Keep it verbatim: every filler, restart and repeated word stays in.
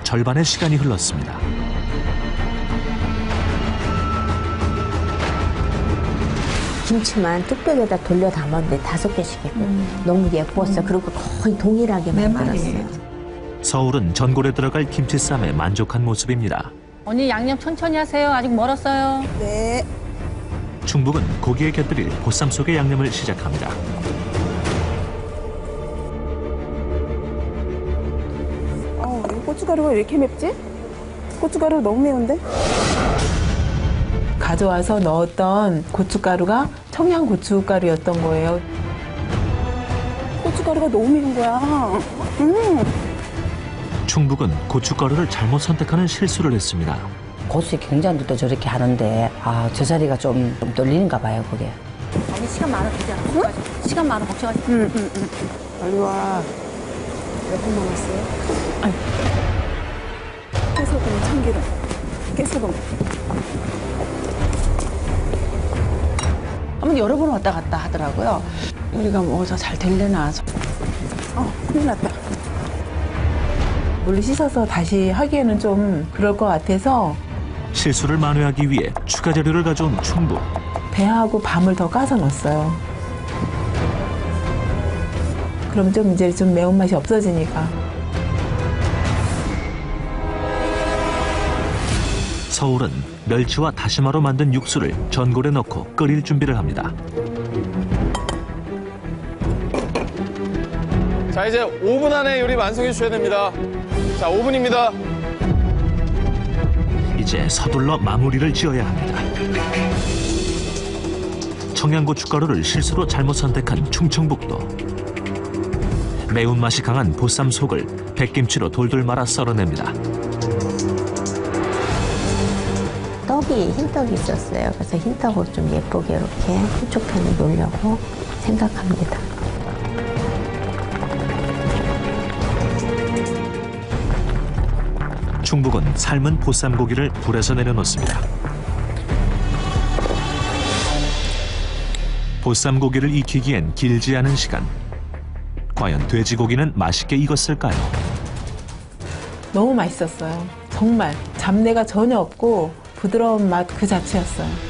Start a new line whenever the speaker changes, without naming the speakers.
절반의 시간이 흘렀습니다.
김치만 뚝배기에다 돌려 담았는데 다섯 개씩이고 음. 너무 예뻤어요. 음. 그리고 거의 동일하게 만들었어요.
서울은 전골에 들어갈 김치쌈에 만족한 모습입니다.
언니 양념 천천히 하세요. 아직 멀었어요.
네.
충북은 고기에 곁들일 보쌈 속의 양념을 시작합니다.
어, 이 고춧가루가 왜 이렇게 맵지? 고춧가루 너무 매운데?
가져와서 넣었던 고춧가루가 청양고춧가루였던 거예요.
고춧가루가 너무 매운 거야. 음.
충북은 고춧가루를 잘못 선택하는 실수를 했습니다.
고수의 경장들도 저렇게 하는데 아, 저 자리가 좀, 좀 떨리는가 봐요, 그게.
언니 시간 많아 되지 않아? 응? 시간 많아 걱정하지 마.
응, 응, 응. 빨리 와. 몇 분 남았어요? 아니. 깨소금, 참기름. 깨소금.
한번 여러 번 왔다 갔다 하더라고요. 요리가 뭐서 잘 될래나.
어, 큰일 났다.
물로 씻어서 다시 하기에는 좀 그럴 것 같아서
실수를 만회하기 위해 추가 재료를 가져온 충북.
배하고 밤을 더 까서 넣었어요. 그럼 좀 이제 좀 매운맛이 없어지니까.
서울은 멸치와 다시마로 만든 육수를 전골에 넣고 끓일 준비를 합니다.
자, 이제 오 분 안에 요리 완성해 주셔야 됩니다. 자, 오 분입니다.
이제 서둘러 마무리를 지어야 합니다. 청양고춧가루를 실수로 잘못 선택한 충청북도. 매운맛이 강한 보쌈 속을 백김치로 돌돌 말아 썰어냅니다.
떡이 흰떡이 있었어요. 그래서 흰떡으로 좀 예쁘게 이렇게 한쪽 편을 놓으려고 생각합니다.
충북은 삶은 보쌈 고기를 불에서 내려놓습니다. 보쌈 고기를 익히기엔 길지 않은 시간. 과연 돼지고기는 맛있게 익었을까요?
너무 맛있었어요. 정말 잡내가 전혀 없고 부드러운 맛 그 자체였어요.